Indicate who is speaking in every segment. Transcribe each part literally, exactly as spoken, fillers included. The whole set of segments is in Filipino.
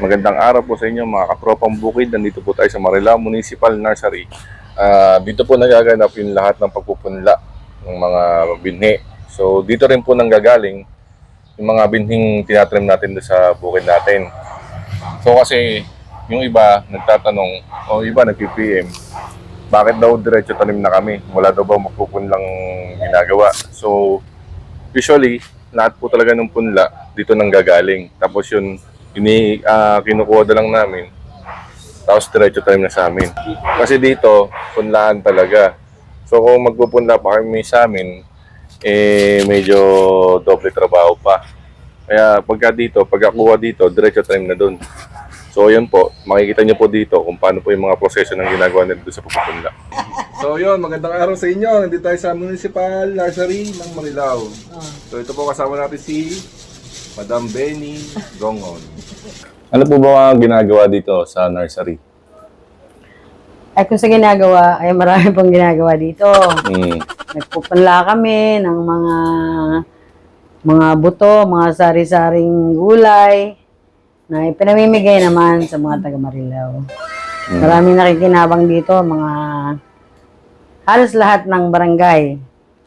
Speaker 1: Magandang araw po sa inyo mga kapropang bukid. Nandito po tayo sa Marilao Municipal Nursery. Uh, dito po nagaganap yung lahat ng pagpupunla ng mga binhi. So dito rin po nanggagaling yung mga binhing tinatrim natin doon sa bukid natin. So kasi yung iba nagtatanong o iba nag-P M, bakit daw diretso tanim na kami? Wala daw ba magpupunlang ginagawa? So usually lahat po talaga ng punla dito nanggagaling. Tapos yun, ini uh, kinukuha na lang namin. Tapos diretso tanim na sa amin. Kasi dito, punlaan talaga. So kung magpupunla pa kami sa amin, eh medyo doble trabaho pa. Kaya pagka dito, pagkakuha dito, diretso tanim na dun. So yun po, makikita nyo po dito kung paano po yung mga proseso ng ginagawa nila doon sa pagpupunla. So yun, magandang araw sa inyo. Nandito tayo sa Municipal Nursery ng Marilao. So ito po kasama natin si Madam Benny Gongon. Ano po ba ang ginagawa dito sa nursery?
Speaker 2: Ay kung sa ginagawa, ay marami pong ginagawa dito.
Speaker 1: Mm.
Speaker 2: Nagpupunla kami ng mga mga buto, mga sari-saring gulay na ipinamimigay naman sa mga taga Marilao. Mm. Maraming nakikinabang dito, mga halos lahat ng barangay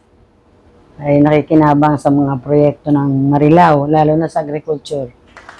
Speaker 2: ay nakikinabang sa mga proyekto ng Marilao, lalo na sa agriculture.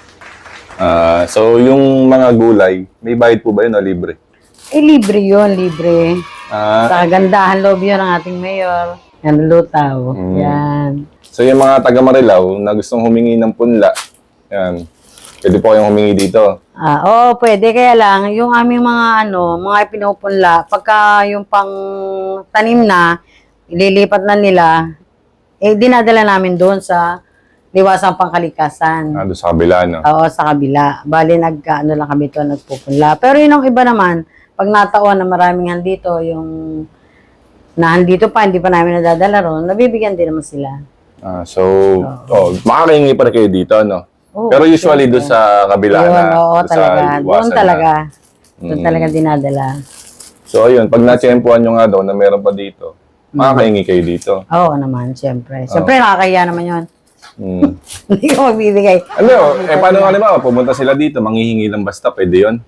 Speaker 1: Uh, so yung mga gulay, may bayad po ba yun o libre?
Speaker 2: Eh, libre yun, libre.
Speaker 1: Ah.
Speaker 2: Sa kagandahan loob yun ng ating mayor. Yan, lutaw.
Speaker 1: Mm.
Speaker 2: Yan.
Speaker 1: So yung mga taga Marilao na gustong humingi ng punla, yan, pwede po kayong humingi dito.
Speaker 2: Ah, oo, pwede. Kaya lang, yung aming mga ano, mga pinupunla, pagka yung pang tanim na, ililipat na nila, eh, dinadala namin doon sa liwasang pangkalikasan.
Speaker 1: Ah, doon sa kabila, no?
Speaker 2: Oo, sa kabila. Bali, nag, ano lang kami to, nagpupunla. Pero yun ang iba naman, pag nataon na maraming handito, yung na handito pa, hindi pa namin nadadala ron, nabibigyan din naman sila.
Speaker 1: Ah, so, oh, makakahingi pa rin kayo dito, no?
Speaker 2: Oo,
Speaker 1: pero usually
Speaker 2: sure.
Speaker 1: doon sa kabila
Speaker 2: Yun,
Speaker 1: na.
Speaker 2: oo,
Speaker 1: doon
Speaker 2: talaga.
Speaker 1: Sa
Speaker 2: Doon talaga.
Speaker 1: Na.
Speaker 2: Doon
Speaker 1: Mm.
Speaker 2: talaga dinadala.
Speaker 1: So, ayun, pag na-tsempuhan nyo nga daw na meron pa dito, makakahingi kayo dito.
Speaker 2: Oo naman, siyempre. Siyempre, nakakahiya naman yun.
Speaker 1: Mm.
Speaker 2: Hindi ko magbibigay.
Speaker 1: Ano, eh, paano nga naman, pumunta sila dito, manghihingi lang basta, pwede yun?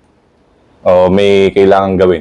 Speaker 1: O may kailangan gawin?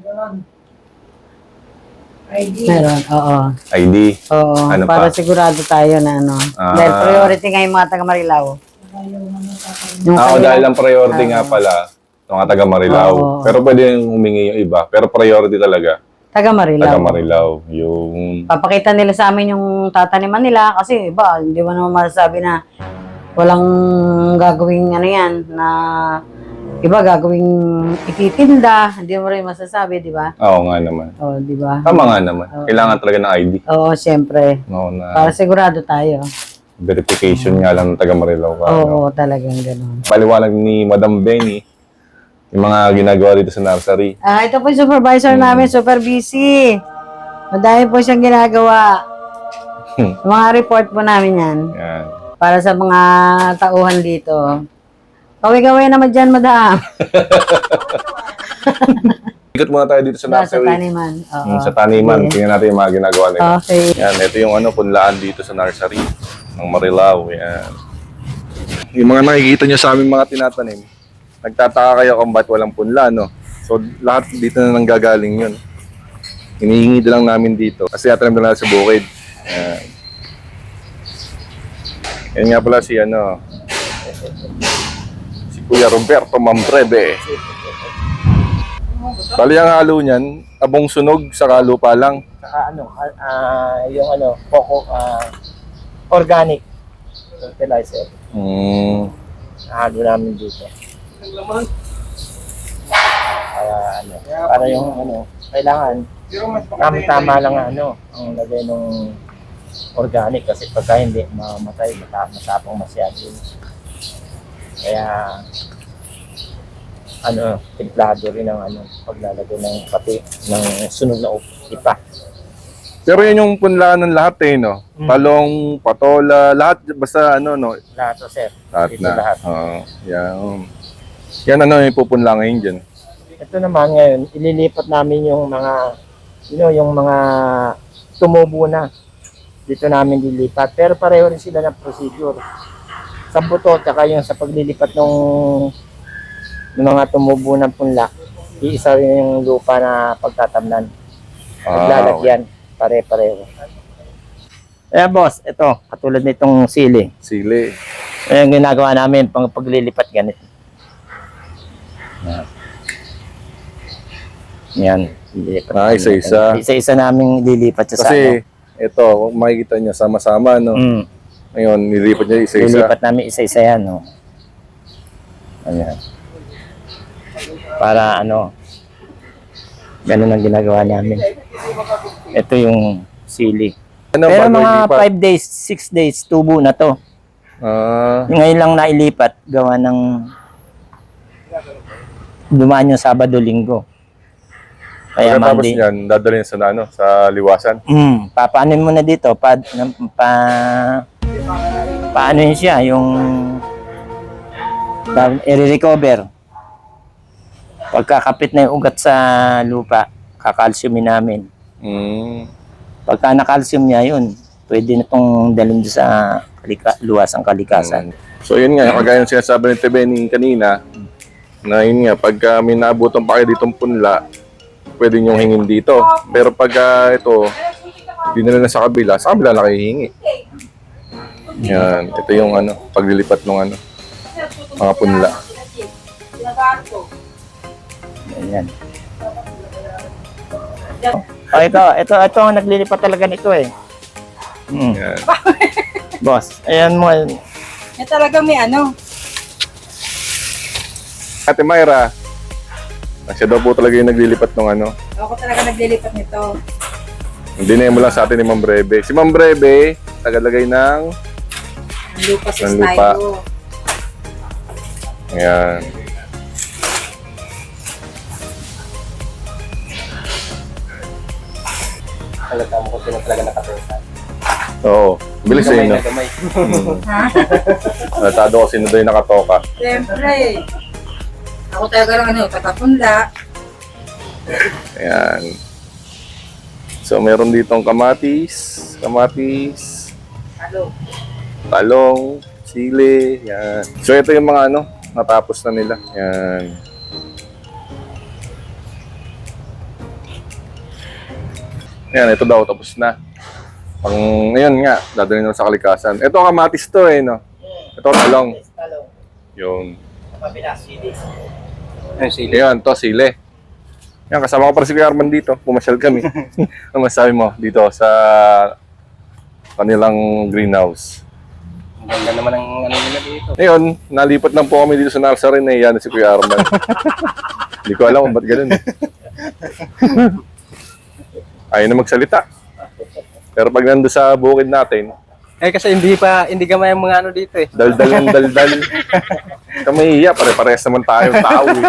Speaker 2: I D. Meron, oo.
Speaker 1: I D?
Speaker 2: Oo,
Speaker 1: Ano
Speaker 2: para
Speaker 1: pa?
Speaker 2: sigurado tayo na ano.
Speaker 1: Ah.
Speaker 2: Dahil priority nga yung mga taga Marilao. Yung
Speaker 1: Ah, o,
Speaker 2: kanilang-
Speaker 1: dahil ang priority nga pala, ito nga taga Marilao.
Speaker 2: Oo.
Speaker 1: Pero pwede yung humingi yung iba. Pero priority talaga,
Speaker 2: Taga Marilao.
Speaker 1: taga Marilao. Yung...
Speaker 2: Papakita nila sa amin yung tataniman nila kasi iba, hindi mo naman masasabi na walang gagawing ano yan, na iba gagawing ititinda, hindi mo rin masasabi, di ba?
Speaker 1: Oo nga naman.
Speaker 2: Oo, di ba?
Speaker 1: Tama nga naman.
Speaker 2: Oo.
Speaker 1: Kailangan talaga ng I D.
Speaker 2: Oo, siyempre.
Speaker 1: No, na
Speaker 2: Para sigurado tayo.
Speaker 1: verification nga lang ng taga Marilao ka.
Speaker 2: Oo,
Speaker 1: no?
Speaker 2: talagang gano'n.
Speaker 1: Paliwanag ni Madam Benny yung mga ginagawa dito sa nursery.
Speaker 2: Ah, ito po yung supervisor
Speaker 1: Hmm.
Speaker 2: namin, super busy. Madami po siyang ginagawa. Mga report po namin yan.
Speaker 1: Yan.
Speaker 2: Para sa mga tauhan dito. Kaway-kaway naman dyan, madam.
Speaker 1: Ikot muna tayo dito sa
Speaker 2: Sa
Speaker 1: nursery.
Speaker 2: taniman. Oo.
Speaker 1: Mm, sa taniman.
Speaker 2: Sige.
Speaker 1: Tingnan natin yung mga ginagawa nila.
Speaker 2: Okay.
Speaker 1: Yan, ito yung ano, punlaan dito sa nursery ng Marilao. Yan. Yung mga nakikita nyo sa aming mga tinatanim, nagtataka kayo kung ba't walang punla, no? So, lahat dito na nanggagaling yun. Hinihingi na lang namin dito. Kasi natanim na lang sa bukid. Yan. Yan nga pala si ano, si Kuya Roberto Mambreve. Bali ang halo niyan, abong sunog sa lupa lang.
Speaker 3: Saka ano, ah, ah, yung ano, coco, ah, organic fertilizer.
Speaker 1: Hmm.
Speaker 3: Nahalo namin dito. Para ano, para yung ano, kailangan tama-tama lang ano, ang lagay ng organic kasi pagka hindi mamatay, mata- matapang masyado yun. Kaya ano, templado rin ang ano, paglalagay ng pati ng sunog na ipa.
Speaker 1: Pero yun yung punlaan ng lahat eh, no?
Speaker 3: Mm.
Speaker 1: Talong, patola, lahat, basta ano, no?
Speaker 3: Lahat to, sir.
Speaker 1: Lahat
Speaker 3: Dito
Speaker 1: na.
Speaker 3: lahat.
Speaker 1: Oo, yan. Yan ano yung pupunla ngayon dyan.
Speaker 3: Ito naman ngayon, ililipat namin yung mga, you know, yung mga tumubo na. Dito namin lilipat. Pero pareho rin sila ng procedure. sa buto, tsaka yung sa paglilipat ng, ng mga tumubo ng punla, iisa rin yung lupa na pagtatamnan.
Speaker 1: Ah,
Speaker 3: Naglalagyan, pare-pareho. Kaya boss, ito, katulad nitong sili.
Speaker 1: Sili.
Speaker 3: Ayan ginagawa namin pang paglilipat ganito. Yan. Yan. Lilipat
Speaker 1: Ah,
Speaker 3: namin.
Speaker 1: isa-isa.
Speaker 3: Isa-isa namin lilipat sa
Speaker 1: Kasi, ito, kung makikita nyo, sama-sama, no?
Speaker 3: Mm.
Speaker 1: Ngayon, nilipat niya isa-isa.
Speaker 3: Lilipat namin isa-isa yan. No? Ayan. Para ano, ganun ang ginagawa namin. Ito yung sili.
Speaker 1: Ano,
Speaker 3: Pero
Speaker 1: bago
Speaker 3: mga
Speaker 1: ilipat?
Speaker 3: five days, six days, tubo na to.
Speaker 1: Ah,
Speaker 3: Ngayon lang nailipat, gawa ng dumaan yung Sabado, Linggo. Kaya
Speaker 1: pagkatapos
Speaker 3: Monday.
Speaker 1: niyan, dadalhin sa, ano, sa liwasan.
Speaker 3: Mm, papaanin mo na dito, pa, pa, paano yun siya, yung pa, i-recover. Pagkakapit na yung ugat sa lupa, kakalsyumin namin.
Speaker 1: Mm.
Speaker 3: Pagka nakalsyum niya yun, pwede na itong dalhin doon sa kalika, luwasang kalikasan.
Speaker 1: So yun nga, kagaya ng sinasabi ni Tebeni kanina, na yun nga, pagka may naabutan pa kayo ditong punla, pwede nyo hingin dito. Pero pagka ito, dinala na sa kabila, sa kabila na kayo hihingi. Yan, ito yung ano, paglilipat ng ano, mga punla.
Speaker 3: Ayan. Oh, ito, ito, ito ang naglilipat talaga nito eh. Mm.
Speaker 1: Yan.
Speaker 3: Boss, ayan mo.
Speaker 2: Eh talaga may ano.
Speaker 1: Ate Myra, siya daw po talaga yung naglilipat ng ano.
Speaker 2: Ako talaga naglilipat nito.
Speaker 1: Hindi mo lang sa atin ni Ma'am Breve. Si Ma'am Breve, tagalagay ng,
Speaker 2: Ang lupa sa
Speaker 1: Ang lupa.
Speaker 2: stylo.
Speaker 1: ayan.
Speaker 3: Halata mo kung sino talaga nakatusan.
Speaker 1: Oo, bilis eh, no?
Speaker 3: Gamay.
Speaker 2: Ha?
Speaker 1: Natado ko sino daw yung nakatoka.
Speaker 2: Siyempre. Ako talaga lang ano, taga-punla.
Speaker 1: Ayan. So, meron ditong kamatis, kamatis,
Speaker 2: Halo.
Speaker 1: talong, sili, yan. So, ito yung mga ano, natapos na nila. Yan. Yan, ito daw, tapos na. Pang, ngayon nga, dadalhin na sa kalikasan. Ito, kamatis to eh, no? Ito, talong.
Speaker 3: Talong.
Speaker 1: Yung,
Speaker 3: Kapila, sili.
Speaker 1: ayan, to, sili. Yan, kasama ko pa si Kuya Arman dito. Pumasyal kami. Ano masabi mo dito sa kanilang greenhouse?
Speaker 3: Ang ganda naman ang ano nila dito.
Speaker 1: Ngayon, nalipat lang po kami dito sa nursery na iyan si Kuya Arman. Hindi ko alam kung ba't ganun. Ayaw na magsalita. Pero pag nando sa bukid natin,
Speaker 4: Eh kasi hindi pa, hindi gamay ang mga ano dito eh.
Speaker 1: daldal ng daldal. Kami iya, pare-parehas naman tayo tao eh.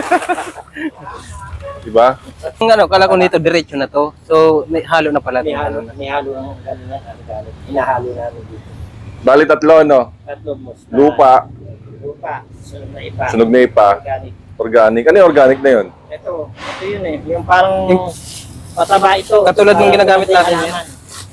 Speaker 1: Diba?
Speaker 4: Ang ano, kala ko nito diretso na to. So, may halo na pala.
Speaker 3: May
Speaker 4: to.
Speaker 3: halo, may halo ang gano'n na, halo, hinahalo namin dito.
Speaker 1: Bali tatlo, no?
Speaker 3: Tatlo mo.
Speaker 1: Lupa,
Speaker 3: Lupa, sunog na ipa.
Speaker 1: sunog na ipa,
Speaker 3: Organic.
Speaker 1: organic. Ano yung organic na yun?
Speaker 3: Ito, ito yun eh. Yung parang pataba ito.
Speaker 4: Katulad ng
Speaker 3: Parang
Speaker 4: ginagamit
Speaker 3: kasi
Speaker 4: natin
Speaker 3: halaman.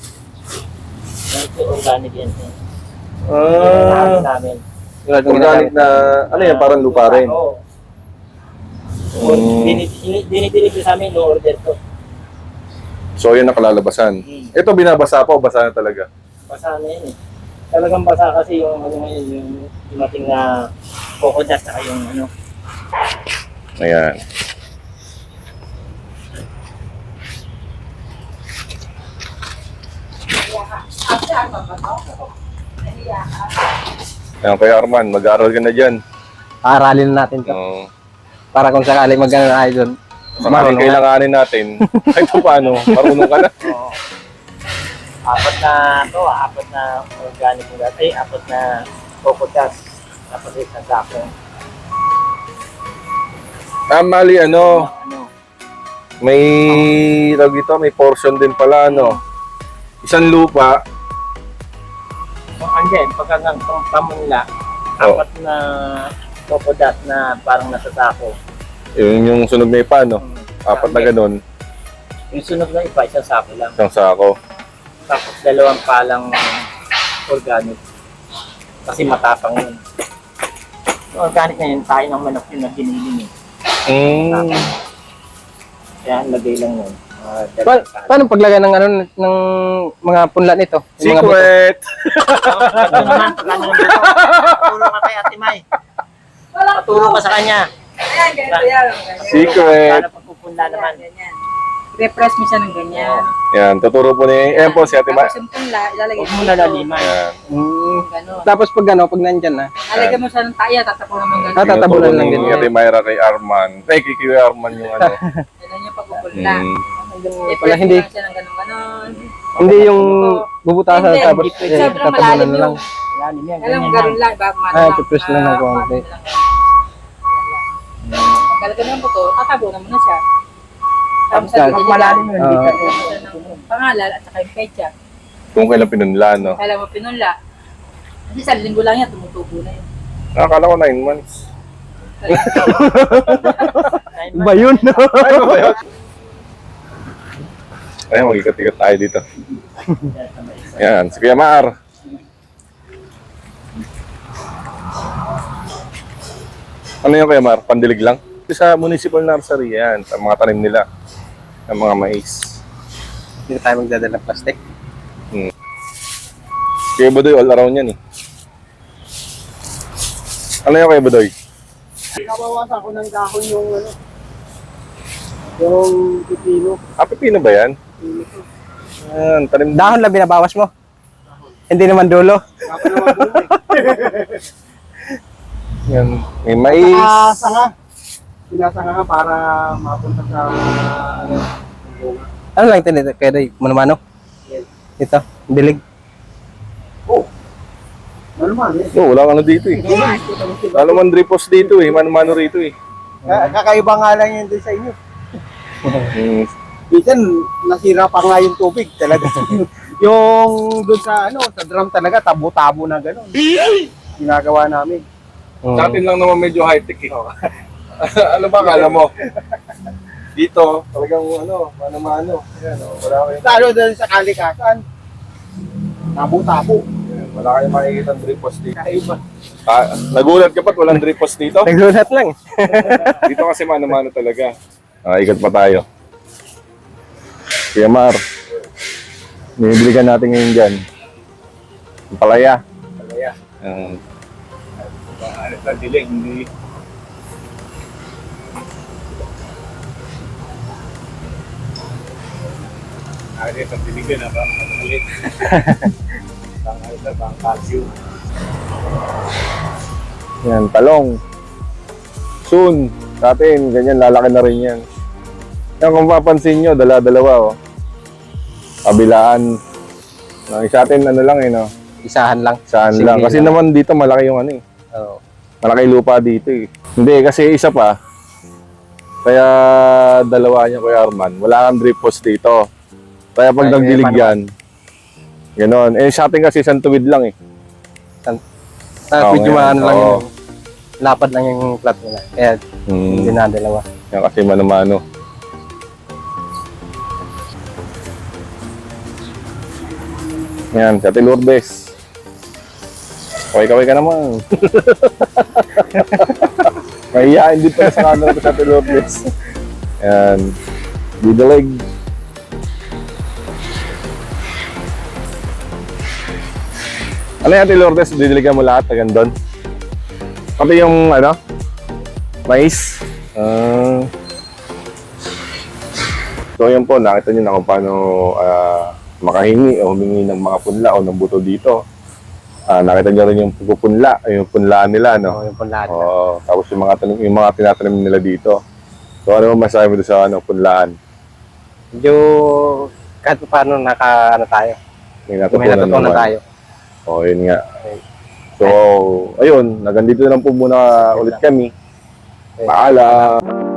Speaker 3: Ito, organic yan.
Speaker 1: Ah,
Speaker 3: Halo namin.
Speaker 4: Tulad ng
Speaker 1: organic
Speaker 4: ginagamit.
Speaker 1: na, ano yan, parang lupa rin.
Speaker 3: Oo.
Speaker 1: Mm.
Speaker 3: Dinideliver sa amin, no order to.
Speaker 1: So, yun ang kalalabasan.
Speaker 3: Mm.
Speaker 1: Ito, binabasa pa o basa na talaga?
Speaker 3: Basa na yun eh. Talagang basa kasi yung ano ngayon, yung dumating na coco dust saka yung ano.
Speaker 1: Ayan. Ayan, Kuya Arman, mag-aaral ka na dyan.
Speaker 4: Aralin natin to.
Speaker 1: Oo.
Speaker 4: Para kung sakali mag-ano na tayo doon.
Speaker 1: Marunong kailanganin natin. Kahit pa paano, marunong ka na.
Speaker 3: Oo. Apat na to, apat na organic na dati, apat na coco dust, apat na isang sako.
Speaker 1: Ah, mali, ano,
Speaker 3: Ano?
Speaker 1: may, tawag dito, may portion din pala, ano. Isang lupa,
Speaker 3: Kung andyan, pagka ng pamunla,
Speaker 1: Oo.
Speaker 3: apat na coco dust na parang nasa sako.
Speaker 1: yun yung sunog na ipa, no. Apat na ganun,
Speaker 3: Yung sunog na iba, isang sako lang.
Speaker 1: isang sako.
Speaker 3: Tapos dalawang palang organic. Kasi matapang yun. Yung organic na yun, tayo ng manok yun na giniling eh.
Speaker 1: Mm.
Speaker 3: Kaya lagay lang yun. Uh,
Speaker 4: Pa- paano paglagay ng ano ng mga punla nito? Yung mga buto?
Speaker 1: Secret!
Speaker 3: Ito naman, plano ng buto. Paturo ka kay Ate May. Paturo ka sa kanya.
Speaker 2: Ayan, ganito yan.
Speaker 1: Secret!
Speaker 3: Plano pagpupunla naman.
Speaker 2: Repress mo siya ng ganyan.
Speaker 1: Yan, tuturo po ni... Ayan po si Ate Ma.
Speaker 2: Tapos yung punla, ilalagay
Speaker 3: Huwag mo nalaliman.
Speaker 1: Ayan.
Speaker 4: Mm.
Speaker 2: Ganun.
Speaker 4: Tapos pag ano, pag nandyan na.
Speaker 2: Lalagyan mo siya ng taya, tatapo naman ganun.
Speaker 4: Ah, tatabunan
Speaker 1: Tinuturo
Speaker 4: lang
Speaker 1: ni
Speaker 4: din.
Speaker 1: Ate Mayra kay Arman. Ay, kay Kuya Arman yung ano.
Speaker 2: Ganun yung pagpupulna.
Speaker 1: Mm.
Speaker 2: I-press
Speaker 4: Wala,
Speaker 2: mo
Speaker 4: hindi.
Speaker 2: lang siya ng ganun ganon.
Speaker 4: Hindi yung bubutasan
Speaker 2: Hindi,
Speaker 4: tapos
Speaker 2: hindi.
Speaker 4: eh,
Speaker 2: Sobrang
Speaker 4: tapunan
Speaker 2: malalim
Speaker 4: na lang.
Speaker 2: yung...
Speaker 3: Lalim yan,
Speaker 2: Alam mo,
Speaker 3: ganyan
Speaker 2: ganun
Speaker 3: lang.
Speaker 2: lang. Bago
Speaker 4: Ah, ipipress lang ng konti.
Speaker 2: Pagkalagyan mo ng buto, tatabunan mo na siya. Tapos
Speaker 4: Pag
Speaker 2: sa
Speaker 3: malalim yun, hindi ka-
Speaker 2: ng pangalan at saka yung pecha.
Speaker 1: Kung kailan pinunla, no?
Speaker 2: Kailan mo pinunla. Kasi sa linggo lang yan, tumutubo na yun.
Speaker 1: Nakakala ko nine months.
Speaker 4: Ba yun?
Speaker 1: Ay, ba yun? Ay, mag-ikat-ikat tayo dito. Yan, si Kuya Mar. Ano yung Kuya Mar? Pandilig lang? Sa municipal nursery, yan. Sa mga tanim nila. Ng mga mais.
Speaker 4: Hindi tayo magdadala ng plastic.
Speaker 1: Kuya Budoy, all around yan eh. Ano yung Kuya Budoy?
Speaker 5: Nabawasan ko ng dahon yung ano, yung pipino.
Speaker 1: Ah, pipino ba yan? Yan, tanim
Speaker 4: Dahon lang binabawas mo. Hindi naman dulo.
Speaker 5: Dapat naman doon eh.
Speaker 1: Yan. May mais.
Speaker 5: Ah, sanga. Pinasanga ka para mapunta sa ano, bunga.
Speaker 4: Ano lang ito nito? Kaya day, mano-mano?
Speaker 5: Yes.
Speaker 4: Ito, dilig.
Speaker 5: Oh. Ano man eh.
Speaker 1: Oh, wala ka na dito eh. Wala man dripos dito eh. Mano-mano rito eh.
Speaker 5: Ka- Kakaiba nga lang yun din sa inyo.
Speaker 1: Hmm.
Speaker 5: Minsan, nasira pa nga yung tubig talaga. yung doon sa ano, sa drum talaga, tabo-tabo na gano'n. Ginagawa namin.
Speaker 1: Sa atin lang naman medyo high-tech eh. Ano ba kala mo? Dito, talagang ano, mano-mano. Ayan, oh, wala kayong,
Speaker 5: Lalo doon sa kalikasan, tabo-tabo.
Speaker 1: wala kayong makikita ng dripos dito.
Speaker 5: Kakaiba.
Speaker 1: Ah, nagulat ka ba't walang dripos dito?
Speaker 4: Naglulat lang.
Speaker 1: Dito kasi mano-mano talaga. Ah, ikat pa tayo. Kuya Mar, binibili ka natin ngayon dyan. Ang palaya.
Speaker 5: Palaya.
Speaker 1: Um,
Speaker 5: Ano sa dilig, hindi. Ano sa dilig na ba? Makalit. Tangal sa bang calcium.
Speaker 1: yan, talong. Soon, sa atin, ganyan, lalaki na rin yan. Yan, kung mapapansin nyo, dala-dalawa, oh. Kabilaan. No, sa atin, ano lang, eh, no?
Speaker 4: Isahan lang.
Speaker 1: Saan
Speaker 4: Sige
Speaker 1: lang. Kasi
Speaker 4: lang.
Speaker 1: naman dito, malaki yung ano, eh.
Speaker 4: Oo.
Speaker 1: Malaki lupa dito, eh. Hindi, kasi isa pa. Kaya dalawa niya, Kuya Arman. Wala kang drip post dito. Kaya pag
Speaker 4: Ay,
Speaker 1: nagdilig
Speaker 4: paano?
Speaker 1: yan, gano'n. Eh, sa atin kasi isang tuwid lang, eh.
Speaker 4: Tapos
Speaker 1: Oo,
Speaker 4: medyo
Speaker 1: ngayon.
Speaker 4: maano lang
Speaker 1: Oo.
Speaker 4: yung lapad lang yung plat nila. Kaya hindi
Speaker 1: Hmm.
Speaker 4: na dalawa.
Speaker 1: Yan kasi mano-mano. Yan, sa Ate Lourdes. Kaway-kaway ka naman. Mahihain din pala sa camera ko sa Ate Lourdes. Yan. Didalig. Ano yung Ate Lourdes? Didiligan mo lahat hanggang doon? Pati yung ano? Mais. Ah. So yun po, nakita nyo na kung paano ah, makahingi o humingi ng mga punla o ng buto dito. Ah, nakita nyo rin yung pupunla, yung punlaan nila,
Speaker 4: Oo,
Speaker 1: no?
Speaker 4: yung punlaan.
Speaker 1: Oo, tapos yung mga, tanim, yung mga tinatanim nila dito. So ano mo masabi mo doon sa ano, punlaan?
Speaker 4: Medyo kahit pa paano naka ano tayo.
Speaker 1: May
Speaker 4: May
Speaker 1: natutunan
Speaker 4: natutunan
Speaker 1: naman.
Speaker 4: tayo.
Speaker 1: Oo, yun nga. So, ayun, nagandito na lang po muna ulit kami. Paalam!